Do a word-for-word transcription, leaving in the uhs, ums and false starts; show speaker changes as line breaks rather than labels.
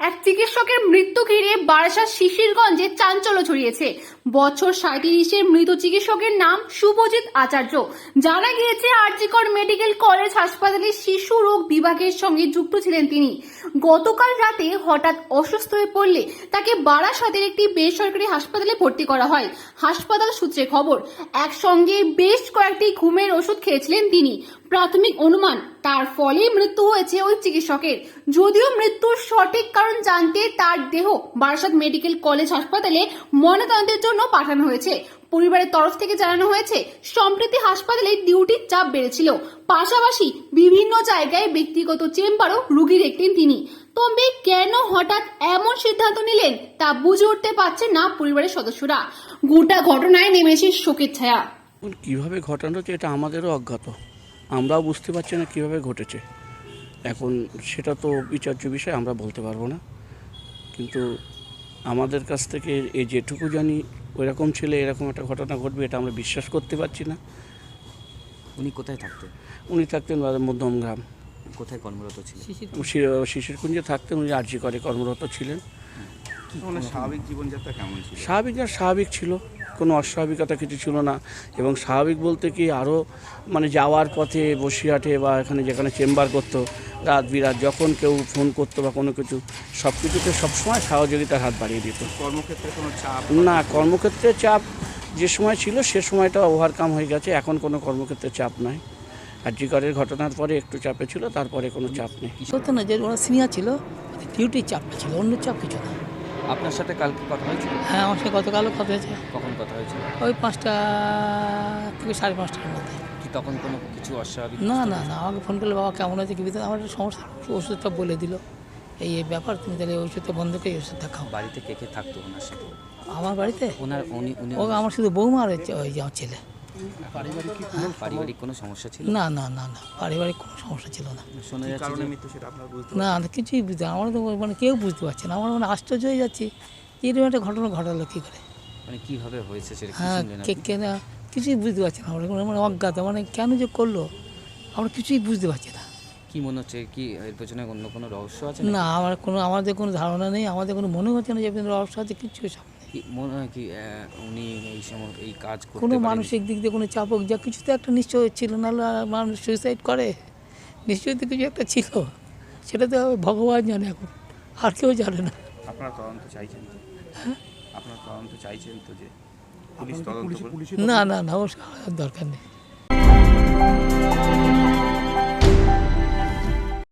এক চিকিৎসকের মৃত্যু ঘিরে বারাসাত শিশিরগঞ্জে চাঞ্চল্য ছড়িয়েছে। বছর সাঁইত্রিশের মৃত চিকিৎসকের নাম শুভজিৎ আচার্য। জানা গিয়েছে আরজিকর মেডিকেল কলেজ হাসপাতালের শিশু রোগ বিভাগের সঙ্গে যুক্ত ছিলেন তিনি। গতকাল রাতে হঠাৎ অসুস্থ হয়ে পড়লে তাকে বারাসাতের একটি বেসরকারি হাসপাতালে ভর্তি করা হয়। হাসপাতাল সূত্রে খবর, একসঙ্গে বেশ কয়েকটি ঘুমের ওষুধ খেয়েছিলেন তিনি। প্রাথমিক অনুমান তার ফলে মৃত্যু হয়েছে ওই চিকিৎসকের। যদিও মৃত্যুর সঠিক কারণ জানতে তার দেহ বারাসাত মেডিকেল কলেজ হাসপাতালে ময়নাতদন্তের জন্য পাঠানো হয়েছে। পরিবারের তরফ থেকে জানানো হয়েছে, সম্প্রতি হাসপাতালে ডিউটির চাপ বেড়েছিল, পাশাপাশি বিভিন্ন জায়গায় ব্যক্তিগত চেম্বারও রোগী দেখতেন তিনি। তবে কেন হঠাৎ এমন সিদ্ধান্ত নিলেন তা বুঝে উঠতে পারছেন না পরিবারের সদস্যরা। গোটা ঘটনায় নেমেছে শোকের ছায়া।
কিভাবে ঘটানো হচ্ছে এটা আমাদেরও অজ্ঞাত, আমরাও বুঝতে পারছি না কিভাবে ঘটেছে। এখন সেটা তো বিচার্য বিষয়, আমরা বলতে পারবো না। কিন্তু আমাদের কাছ থেকে এই যেটুকু জানি ওইরকম ছেলে এরকম একটা ঘটনা ঘটবে এটা আমরা বিশ্বাস করতে পারছি না।
উনি কোথায় থাকতেন?
উনি থাকতেন মধ্যমগ্রাম।
কোথায় কর্মরত ছিলেন?
শিশিরকুঞ্জে থাকতেন। উনি আরজি করে কর্মরত ছিলেন।
স্বাভাবিক জীবনযাত্রা কেমন ছিল?
স্বাভাবিক আর স্বাভাবিক ছিল, কোনো অস্বাভাবিকতা কিছু ছিল না। এবং স্বাভাবিক বলতে কি, আরও মানে যাওয়ার পথে বসিরহাটে বা এখানে যেখানে চেম্বার করতো রাত বিরাত যখন কেউ ফোন করতো বা কোনো কিছু সব কিছুতে সবসময় সহযোগিতার হাত বাড়িয়ে দিত।
কর্মক্ষেত্রে কোনো চাপ?
না, কর্মক্ষেত্রে চাপ যে সময় ছিল সে সময়টা ওভারকাম হয়ে গেছে, এখন কোনো কর্মক্ষেত্রে চাপ নাই। আরজিকরের ঘটনার পরে একটু চাপে ছিল, তারপরে কোনো চাপ নেই।
সত্য না যে ওরা সিনিয়র ছিল, ডিউটির চাপটা ছিল, অন্য চাপ কিছু না।
আপনার সাথে কালকে কথা হয়েছিল?
হ্যাঁ, আমার সাথে গতকালও কথা হয়েছে।
কখন কথা হয়েছিল?
ওই পাঁচটা থেকে সাড়ে পাঁচটার মধ্যে।
কি তখন কোনো কিছু অস্বাভাবিক?
না না না, আমাকে ফোন করলে বাবা কেমন আছে কি ভিতরে আমার একটা সমস্যা, ওষুধটা বলে দিল, এই এই ব্যাপার, তুমি তাহলে ওষুধটা বন্ধ করে এই ওষুধটা খাও।
বাড়িতে কে কে থাকতো ওনার সাথে?
আমার বাড়িতে
ওনার উনি উনি
ও আমার শুধু বৌমা আর হচ্ছে ওই যে আমার ছেলে।
পারিবারিক কোনো সমস্যা ছিল?
না না না না, পারিবারিক কোনো সমস্যা ছিল না।
শোনা যাচ্ছে
কারণে
যে
মৃত্যু সেটা আপনারা বুঝতে
না না, কিছুই বুঝতে, আমার তো মানে কেউ বুঝতে পারছে না। আমার মানে আশ্চর্য হয়ে যাচ্ছি যে এরকম একটা ঘটনা ঘটালো কী করে।
মানে কিভাবে হয়েছে সেটা কি
হ্যাঁ,
শুনলেন
কে
আপনি?
কেনা কিছুই বুঝতে পারছি না আমরা, মানে অজ্ঞাত, মানে কেন যে করলো আমরা কিছুই বুঝতে পারছি না।
কি মনে হচ্ছে, কি এর পেছনে অন্য কোনো রহস্য আছে?
না, আমার কোনো আমাদের কোনো ধারণা নেই, আমাদের কোনো মনে হচ্ছে না যে রহস্য আছে, কিছু সব নেই।
কি মনে হয় কি আহ, উনি এই সময় এই কাজ করতে
কোনো
পারেন?
মানসিক দিক দিয়ে কোনো চাপক যা কিছু তো একটা নিশ্চয় ছিল, নাহলে মানুষ সুইসাইড করে, নিশ্চয়ই তো কিছু একটা ছিল, সেটা তো ভগবান জানে, এখন আর কেউ জানে না।
আপনারা তদন্ত চাইছেন তো? আপনারা তদন্ত চাইছেন তো যে পুলিশ তদন্ত করবে?
না না না, ওর দরকার নেই।